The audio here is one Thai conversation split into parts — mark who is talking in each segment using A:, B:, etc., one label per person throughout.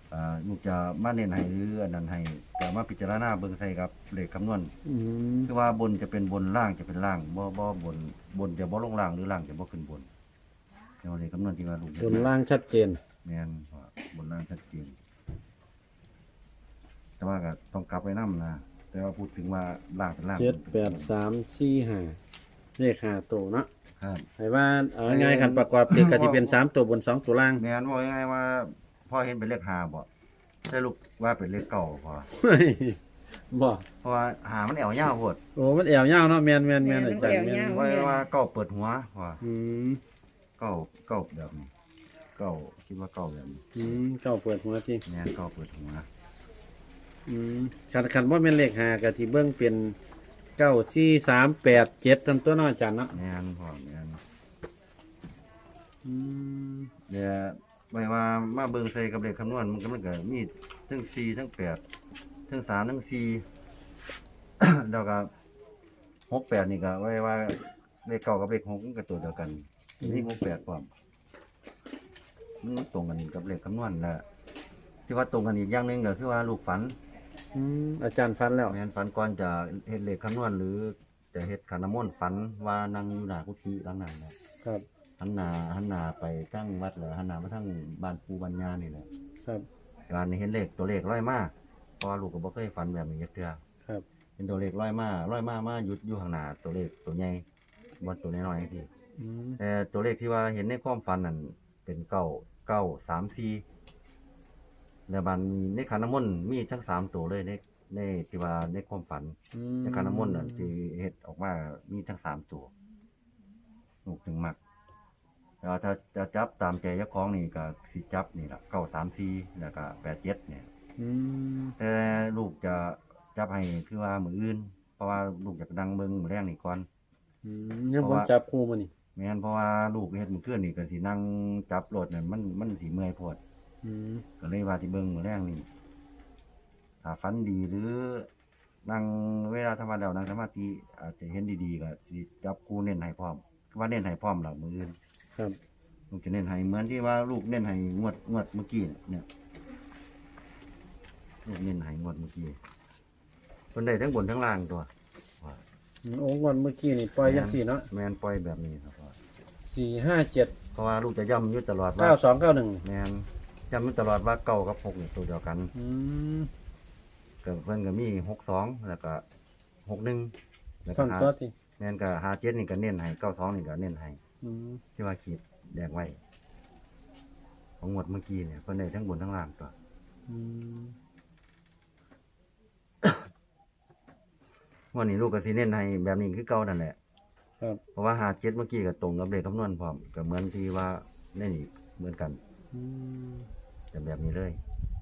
A: ลูกจะมาเน้นให้หรืออันนั้นให้ก็มาพิจารณาเบิ่งใส่ครับเลขคำนวณคือว่าบนจะเป็นบนล่างจะเป็นล่างบ่บนจะบ่ลงล่างหรือล่างจะบ่ขึ้นบนเดี๋ยวเลขคำนวณที่ว่าลูก
B: บนล่างชัดเจน
A: แม่นว่าบนล่างชัดเจนแต่ว่าก็ต้องกลับไปนำนะแต่ว่าพูดถึงว่าล่างเป็นล่าง
B: 7 8 3 4 5เลข5ตัวเนาะ
A: ครับ
B: ให้ว่าเอาง่ายๆคันประกอบติดก็สิเป็น3ตัวบน2ตัวล่าง
A: แม่นว่ายังไงว่าพ่อเห็นเป็นเลข5บ่แต่ลูกว่าเป็นเลขเก่าพอ
B: บ่
A: เพราะว่าหามันแอวยาวโพด
B: โอ้มันแอวยาวเนาะแม่นๆๆอาจารย์แม่น
A: ว่าเก่าเปิดหัวว่า
B: อืม
A: เก่าแบบนี้เก่าคิดว่าเก่าแบบนี้
B: เก้าเปิดหัวติ
A: แม่นเก่าเปิดหัว
B: คันบ่แม่นเลข5ก็สิเบิ่งเป็น9 4 3 8 7ตันตัวเนาะอาจารย์เนาะ
A: แม่นพ่อแม่น
B: อืม
A: เดี๋ยวไม่ว่ามาเบิ่งใส่กับเลขคำนวณมันก็มีทั้ง4ทั้ง8ทั้ง3ทั้ง4 แล้วก็68นี่ก็ไว้ว่าเลขเก่ากับเลข6มันก็ตัวเดียวกันนี่68พร้อมมันตรงกันกับเลขคำนวณแหละที่ว่าตรงกันอีกอย่างหนึงก็คือว่าลูกฝัน
B: อาจารย์ฟันแล้ว
A: แม่นฝันก่อนจะเฮ็ดเลขคำนวณหรือจะเฮ็ดขันน้ำมนต์ฝันว่านั่งอยู่หน้ากุฏิหลังนั้นแหละ
B: ครับ
A: หันหน้าไปทั้งวัดแล้วหันหน้ามาทั้งบ้านปู่บ้านย่านี่แหละ
B: ครับ
A: การเห็นเลขตัวเลขร้อยมาเพราะว่าลูกก็บ่เคยฝันแบบนี้จักเทื่อ
B: ครับ
A: เห็นตัวเลขร้อยมามาหยุดอยู่ข้างหน้าตัวเลขตัวใหญ่บ่ตัวน้อยๆจังซี่
B: อืม
A: แต่ตัวเลขที่ว่าเห็นในความฝันนั่นเป็น9 แล้วบัดในขันน้ำมนต์มีทั้ง3ตัวเลยในที่ว่าในความฝัน ในขันน้ำมนต์น่ะที่เฮ็ดออกมามีทั้ง3ตัวลูกถึงมักแล้วถ้าจะจับตามใจเจ้าของนี่ก็สิจับนี่ล่ะ934แล้วก็87เนี่ย
B: อืม
A: แต่ลูกจะจับให้คือว่ามื้ออื่นเพราะว่าลูกอยากนั่งเบิ่งมื้อแรงนี่ก่อน
B: ยังบ่จับคู่มื้อนี่
A: แม่นเพราะว่าลูกเฮ็ดมื้อคืนนี่ก็สินั่งจับรถนั่นมันสิเมื่อยโพด
B: อืม
A: ก็เลยว่าสิเบิ่งมื้อแรงนี่ถ้าฝันดีหรือนั่งเวลาธรรมดานั่งสมาธิอาจจะเห็นดีๆก็สิจับคู่เน้นให้พร้อมว่าเน้นให้พร้อมล่ะมื้ออื่น
B: ครับ
A: ลูกจะเน้นให้เหมือนที่ว่าลูกเน้นให้งวดเมื่อกี้เนี่ยลูกเน้นให้งวดเมื่อกี้เพิ่นได้ทั้งบนทั้งล่างตัวว่า
B: โอ้งอนเมื่อกี้นี่ปล่อยจังซี่เนาะ
A: แม่นปล่อยแบบนี้ครับว่า
B: 4 5 7
A: เพราะว่าลูกจะย้ำอยู่ตลอดว่า
B: 9 2 9 1
A: แม่นย้ำอยู่ตลอดว่าเก้ากับหกนี่ตัวเดียวกัน
B: อืม
A: ก็เพิ่นก็มี62แล้วก็61แล้วก็
B: ท่อนตัวที่
A: แม่นก็57นี่ก็เน้นให้92นี่ก็เน้นให้
B: อืม
A: ที่ว่าขีดแดงไว้ของงวดเมื่อกี้เนี่ยเพิ่นได้ทั้งบนทั้งล่างตัว
B: อืม
A: วันนี้ลูกก็สิเน้นให้แบบนี้คือเก่านั่นแหละ
B: ครับ
A: เพราะว่า57เมื่อกี้ก็ตรงกับเลขคำนวณพร้อมก็เหมือนที่ว่าในนี่เหมือนกัน
B: อืม
A: จะแบบนี้เลย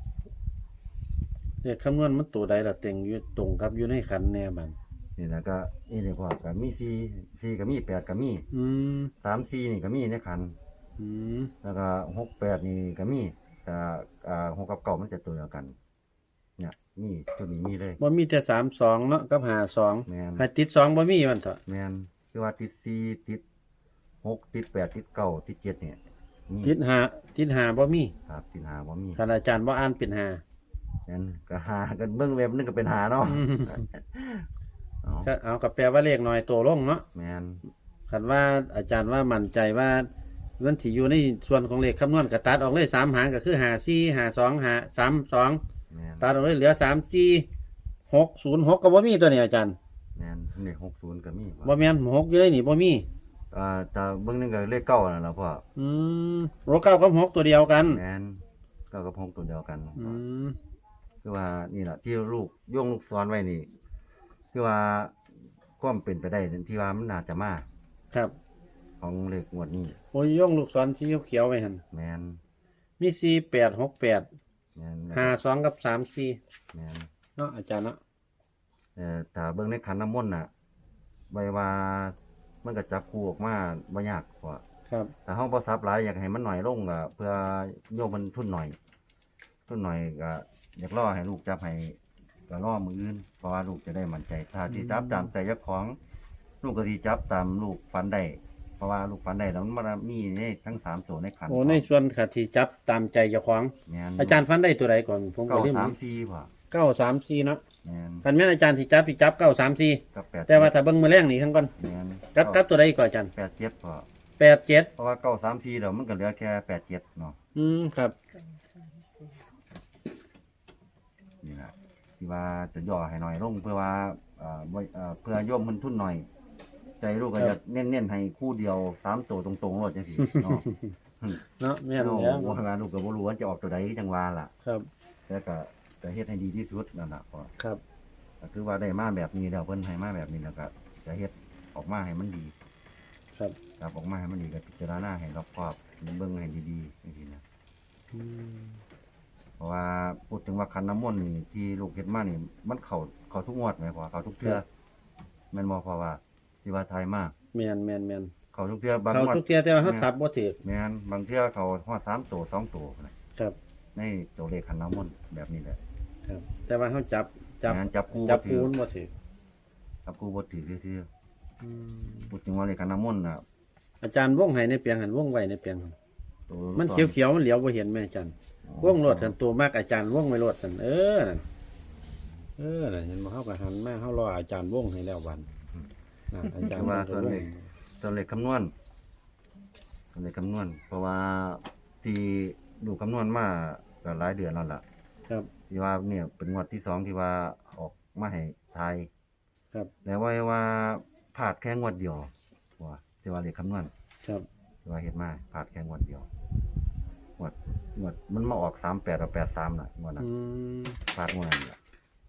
B: เลขคำนวณมันตัวใดล่ะเต็งอยู่ตรงกับอยู่ในขันแน่บัด
A: นี่นะก็นี่เลยพ่อก็มี4ก็มี8ก็มี
B: อืม
A: 34นี่ก็มีในขัน
B: อืม
A: แล้วก็68นี่ก็มีแต่6กับ9มันจะตัวเดียวกันเนี่ยมีตัวนี้มีเลย
B: บ่มีแต่3 2เนาะกับ5 2
A: แม่น
B: ให้ติด2บ่มีมันเถอะ
A: แม่นคือว่าติด4ติด6ติด8ติด9ติด7เนี่ยมี
B: ติด5บ่มี
A: ครับติด5บ่มี
B: คันอาจารย์บ่อ่านเป็น5
A: งั้นก็หากันเบิ่งเว็บนึงก็เป็นหาเนาะ
B: อืม
A: เอา
B: ก็เอากับแปลว่าเลขน้อยตัวลงเนาะ
A: แม่น
B: คันว่าอาจารย์ว่ามั่นใจว่ามันสิอยู่ในส่วนของเลขคำนวณก็ตัดออกเลย3หางก็คือ5 4 5 2 5 3 2
A: แม่น
B: ตัดออกเลยเหลือ3 4 6 0 6ก็บ่มีตัวนี้อาจารย์
A: แม่นนี่60ก็มี
B: บ่แม่น6อยู่ในนี่บ่มี
A: แต่เบิ่งนึงก็เลขเก้านั่นล่ะพ่อ
B: อืมโรเก้ากับ6ตัวเดียวกัน
A: แม่นเก้ากับ6ตัวเดียวกัน
B: อืม
A: คือว่านี่ล่ะที่ลูกโยงลูกศรไว้นี่คือว่าความเป็นไปได้ที่ว่ามันน่าจะมา
B: ครับ
A: ของเลขงวดนี้
B: โอ้ยย่องลูกศรสีเขียวๆไว้หั่น
A: แม่น
B: มี4 8 6 8
A: แม่น
B: 5 2กับ3 4
A: แม่น
B: เนาะอาจารย์เนาะ
A: ถ้าเบิ่งในขันน้ำมนต์น่ะใบว่ามันก็จับคู่ออกมาบ่ยากกว่า
B: ครับ
A: แต่เฮาบ่ซับหลายอยากให้มันน้อยลงก็เพื่อโยมมันทุนหน่อยก็อยากรอให้ลูกจับให้ก็รอมื้ออื่นเพราะว่าลูกจะได้มั่นใจถ้าที่จับตามใจเจ้าของ ลูกก็สิจับตามลูกฝันได้เพราะว่าลูกฝันได้แล้วมันมามีในทั้ง3ตัวในขัน
B: โอ้ในส่วนค่ะที่จับตามใจเจ้าของ
A: แม่น
B: อาจารย์ฟันได้ตัวใดก่อนผมก็ลืม
A: 934พ่อ
B: 934เนาะ
A: แม่น
B: คันแม่นอาจารย์ที่จับ934
A: กับ8
B: แต่ว่าถ้าเบิ่งมื้อแรงนี่ทั้งก่อน
A: แม่น
B: กับตัวใดก่อนอาจารย์
A: 87พ่อ
B: 87
A: เพราะว่า934แล้วมันก็เหลือแค่87เนาะ
B: ครับ
A: นี่แหละที่ว่าจะย่อให้หน่อยลงเพื่อว่าเพื่อโยมมันทุนหน่อย ใจลูกก็จะเน้นๆให้คู่เดียว3ตัวตรงๆรถจังซี่เนาะ
B: เนาะแม่น
A: เนาะ
B: แล้ว
A: ว่างานลูกก็บ่รู้ว่าจะออกตัวใดจังว่าล่ะ
B: ครับ
A: แต่ก็จะเฮ็ดให้ดีที่สุดนั่นล่ะพ่อ
B: ครับ
A: ก็คือว่าได้มาแบบนี้แล้วเพิ่นให้มาแบบนี้แล้วก็จะเฮ็ดออกมาให้มันดี
B: ครับ
A: ครับออกมาให้มันดีก็พิจารณาให้รอบคอบเบิ่งให้ดีๆจังซี่นะ
B: อืม
A: เพราะว่าพูดถึงว่าคันน้ำมนต์นี่ที่ลูกเฮ็ดมานี่มันเข้าทุกงวดไหมพ่อเข้าทุกเทื่อแม่นบ่เพราะว่าที่ว่าทายมา
B: แม่น
A: เข้าทุกเทื่อบาง
B: เขา
A: งวด
B: ทุกเที่ยแต่ว่าเขาทับบ่ถูก
A: แม่นบางเทื่อเขาฮอด3ตัว2ตัวนะครับ ในตัวเลขคันน้ำมนต์แบบนี้แหละ
B: ครับ แต่ว่าเขาจับ
A: แม่นจับคู่
B: จั
A: บ่
B: บ
A: ถื
B: คู
A: อ
B: ณบ่ถูก
A: จับคู่บ่ถือซื่อ
B: อืม
A: ๆพูดถึงว่าเลขคันน้ำมนต์น่ะ
B: อาจารย์วงให้ในเปียงหันวงไว้ในเปียงหั่น
A: ตัว
B: มันเขียวๆมันเหลียวบ่เห็นแม่อาจารย์วงโลดกันตัวมากอาจารย์วงไม่โลดกันนั่นนั่นเห็นบ่เฮาก็หันมาเฮารออาจารย์วงให้แล้ววันนั่นอาจารย์วงก็วง
A: ตัวเลขคำนวณตัวเลขคำนวณ เพราะว่าที่ดูคำนวณมาก็หลายเดือนแล้วล่ะ
B: ครับ
A: ที่ว่าเนี่ยเป็นงวดที่2ที่ว่าออกมาให้ทาย
B: ครับ
A: แล้วว่าพลาดแค่งวดเดียวว่าที่ว่าเลขคำนวณ
B: ครับ
A: ที่ว่าเฮ็ดมาพลาดแค่งวดเดียวงวดมันมาออก38กับ83น่ะงวดนั้น
B: ม
A: พลาดงวดนั้นล่ะ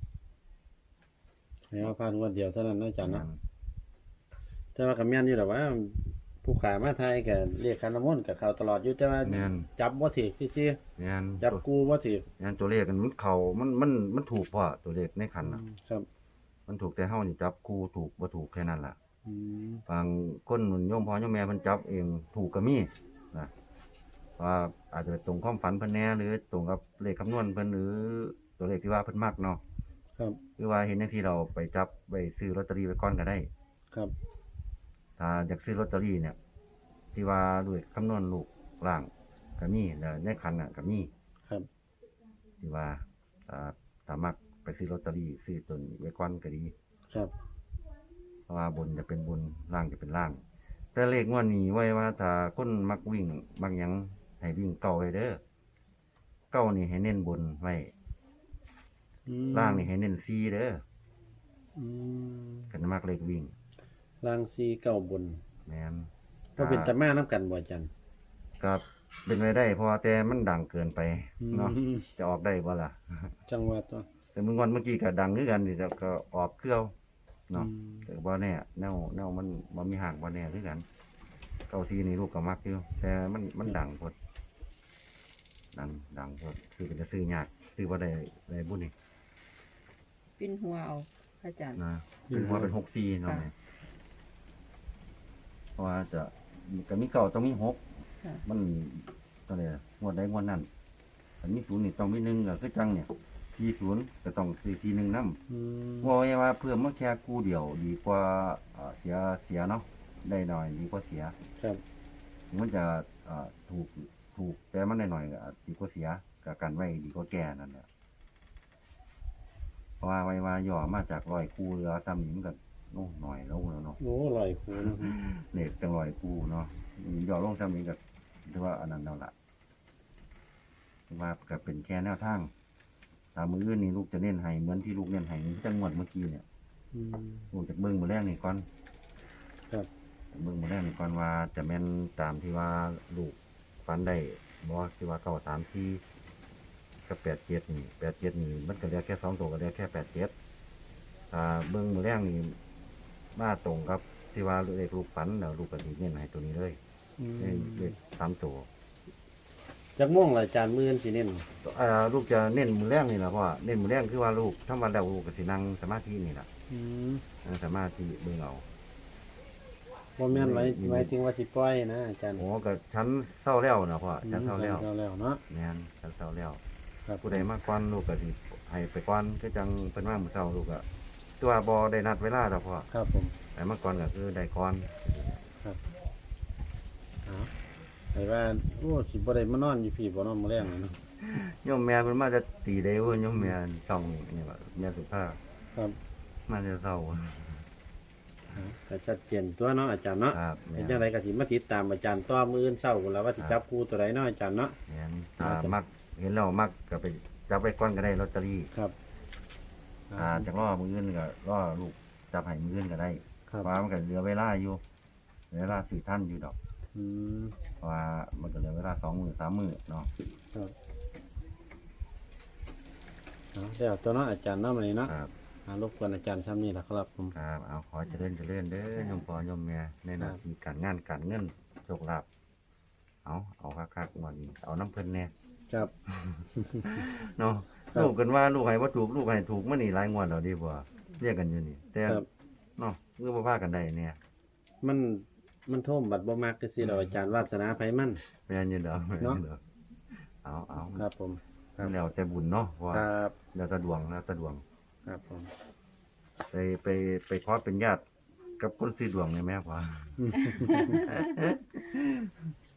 B: แล้วผ่านงวดเดียวเท่านั้นเนาะอาจารย์เนาะแต่ว่าก็แม่นอยู่แหละว่า ผู้ขายมาไทยก็เรียกคันน้ำมนต์กับเขาตลอดอยู่แต่ว่า
A: แม่น
B: จับบ่ถูกซื่อ
A: แม่น
B: ๆจับกูบ่ถูก
A: แม่นตัวเลขมันเข้ามันถูกพอตัวเลขในขันน่ะ
B: ครับ
A: มันถูกแต่เฮานี่จับคู่ถูกบ่ถูกแค่นั้นล่ะ
B: อืม
A: บางคนโยมพ่อโยมแม่เพิ่นจับเองถูกก็มีนะว่าอาจจะตรงความฝันเพิ่นแหน่หรือตรงกับเลขคำนวณเพิ่นหรือตัวเลขที่ว่าเพิ่นมักเนาะ
B: ครับ
A: หรือว่าเห็นจังซี่เราไปจับไปซื้อลอตเตอรี่ไว้ก่อนก็ได้
B: ครับ
A: ถ้าอยากซื้อลอตเตอรี่เนี่ย ที่ว่าด้วยคำนวณลูกล่างก็มีแล้วในคันน่ะก็มี
B: ครับ
A: ที่ว่าถ้ามักไปซื้อลอตเตอรี่ซื้อตัวนี้ไว้ก่อนก็ดี
B: ครับ
A: เพราะว่าบนจะเป็นบนล่างจะเป็นล่าง แต่เลขงวดนี้ไว้ว่าถ้าคนมักวิ่งมักหยังให้วิ่งเก่าไว้เด้อเก้านี่ให้เน้นบนไว้
B: อืม
A: ล่างนี่ให้เน้นซีเด้อ
B: อืม
A: กันมักเลขวิ่ง
B: ล่างซีเก้าบน
A: แม่น
B: ก็เป็นตะมาน้ำกันบ่อาจารย์
A: ครับเป็นไปได้เพราะว่าแต่มันดังเกินไปเนาะ
B: อืม
A: จะออกได้บ่ล่ะ
B: จังหวัดตัว
A: แต่เมื่อกี้ก็ดังคือกันนี่แต่ก็ออกเครื่องเนาะ
B: อืม
A: แต่บ่แน่แนวมันบ่มีห่างบ่แน่คือกันเก้าซีนี่ลูกก็มักอยู่แต่มันดังพดดังพดคือเป็นจะซื้อยากซื้อบ่ได้บุญนี่
C: ปิ้นหัวเอาพระอาจารย์
A: นะคือว่าเป็น6ซีเนาะ
C: ค่ะ
A: แม่เพราะว่าจะก็มีเก่าต้องมี6
C: ค่ะ
A: มันตัวใดงวดใดงวดนั้นอันมี0นี่ต้องมี1ก็คือจังเนี่ย40ก็ต้องซื้อ41นำ
B: อืม
A: ว่าไว้ว่าเพื่อมาแค่กู้เดียวดีกว่าเสียเนาะได้หน่อยดีกว่าเสีย
B: ครับ
A: มันจะถูกแต่มันได้หน่อยก็ดีกว่าเสียกับกันไว้ดีกว่าแก่นั่นแหละเพราะว่าไว้ว่าย่อมาจากร้อยกู้เหลือซ้ำนี้มันก็โน้หน่อยลงแล้วเนาะ
B: โอ้ลอยคูนะ
A: เนี่ยจังร้อยกู้เนาะย่อลงซ้ำนี้ก็ถือว่าอันนั้นแล้วล่ะถือว่าก็เป็นแค่แนวทางตามมืออื่นนี่ลูกจะเน้นให้เหมือนที่ลูกเน้นให้จังหวัดเมื่อกี้เนี่ย
B: อืม
A: ลูกจากเบิ้งมือแรกนี่ก่อน
B: ครับ
A: เบิ้งมือแรกนี่ก่อนว่าจะแม่นตามที่ว่าลูกฟันได้บ่ที่ว่า934กับ87นี่87นี่มันก็เหลือแค่2ตัวก็เหลือแค่87เบิ้งมือแรกนี่มาตรงกับที่ว่าเลขลูกฝันแล้วลูกก็สิเน้นให้ตัวนี้เลย
B: อืม
A: เลข3ตัว
B: จากม่วงล่ะอาจารย์มื้อนี้สิเน้น
A: ลูกจะเน้นมือแรกนี่ล่ะเพราะว่าเน้นมือแรกคือว่าลูกทำวันแล้วลูกก็สินั่งสมาธินี่ล่ะ
B: อืม
A: นั่งสมาธิเบิ่งเอา
B: บ่แม่นไว้ถึงว่าสิปล่อยนะอาจารย์
A: โอ้ก็ชั้นเศร้าแล้วนะพ่อชั้นเศร้าแล้ว
B: แล้วเนาะ
A: แม่นชั้นเศร้าแล้ว
B: ครับ
A: ผู้ใดมาก่อนลูกก็สิให้ไปก่อนคือจังเพิ่นมามื้อเช้าลูกก็ตัวบ่ได้นัดเวลาดอกพ่อ
B: ครับผม
A: แต่มาก่อนก็คือได้ก่อน
B: ครับเอาไอ้ว่าโอ้สิบ่ได้มานอนอยู่พี่บ่นอนมื้อแรงนี่เนาะ
A: โยมแม่เพิ่นมาจะตีได้เว้ยโยมแม่ช่องนี่ว่าแม่สุภาพ
B: ครับ
A: มาจะเศร้า
B: ก็ชัดเจนตัวเนาะอาจารย์เนาะ
A: ครับ
B: เป็นจังไดก็สิมาติดตามอาจารย์ต่อมื้ออื่นเช้าพุ่นล่ะว่าสิจับคู่ตัวใดเนาะอาจารย์เนาะ
A: แม่นถ้ามักเห็นแล้วมักก็ไปจับไปก่อนก็ได้ลอตเตอรี่
B: ครับ
A: จากรอมื้ออื่นก็รอลูกจับให้มื้ออื่นก็ได้
B: ครับ
A: เพราะว่ามันก็เหลือเวลาอยู่เหลือเวลา4ท่านอยู่ดอก
B: อืม
A: เพราะว่ามันก็เหลือเวลา2 มื้อ3 มื้อเนาะ
B: ครับเอาแล้วตัวเนาะอาจารย์เนาะมื้อนี้เนาะ
A: ครับ
B: รบกวนอาจารย์ซ้ำนี่ล่ะครับผม
A: ครับเอาขอเจริญเด้อโยมพ่อโยมแม่ในหน้าที่การงานการเงินโชคลาภเอาคักๆงวดนี้เอาน้ำเพิ่นแน่
B: ครับ
A: เนาะ
B: ครับ
A: ลูกกันว่าลูกให้บ่ถูกลูกให้ถูกมานี่หลายงวดแล้วดีบ่เรียกกันอยู่นี่ แต่
B: ครับ
A: เนาะคือบ่พากันได้เนี่ย
B: มันท่วมบัดบ่มักคือสิเราอาจารย์วาสนาไผมัน
A: แม่นอยู่ดอกแม่นอยู่ดอกเอา
B: ครับผม ครับ
A: แล้วแต่บุญเนาะเพราะว่า
B: ครับ
A: แล้วแต่ดวง
B: ครับผม
A: ไปขอเป็นญาติกับคนซื้อดวงนี่แม่ว่า